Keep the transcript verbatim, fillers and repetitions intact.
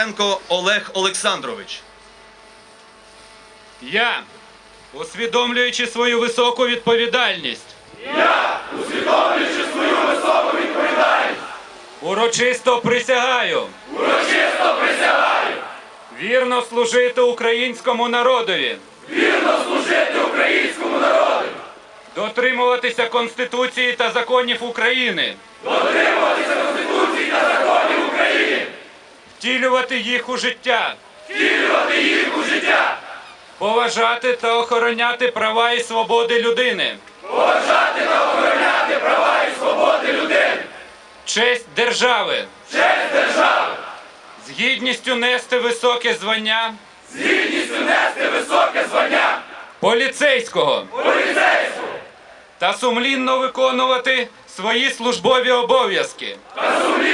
Олег Олександрович. Я, усвідомлюючи свою високу відповідальність, Я, усвідомлюючи свою високу відповідальність, урочисто присягаю урочисто присягаю вірно служити українському народові, вірно служити українському народу, дотримуватися Конституції та законів України, дотримуватися Конституції та законів України, втілювати їх у життя, втілювати їх у життя, поважати та охороняти права і свободи людини, поважати та охороняти права і свободи людини, честь держави, честь держави, з гідністю нести високе звання з гідністю нести високе звання поліцейського поліцейського та сумлінно виконувати свої службові обов'язки та сумлінно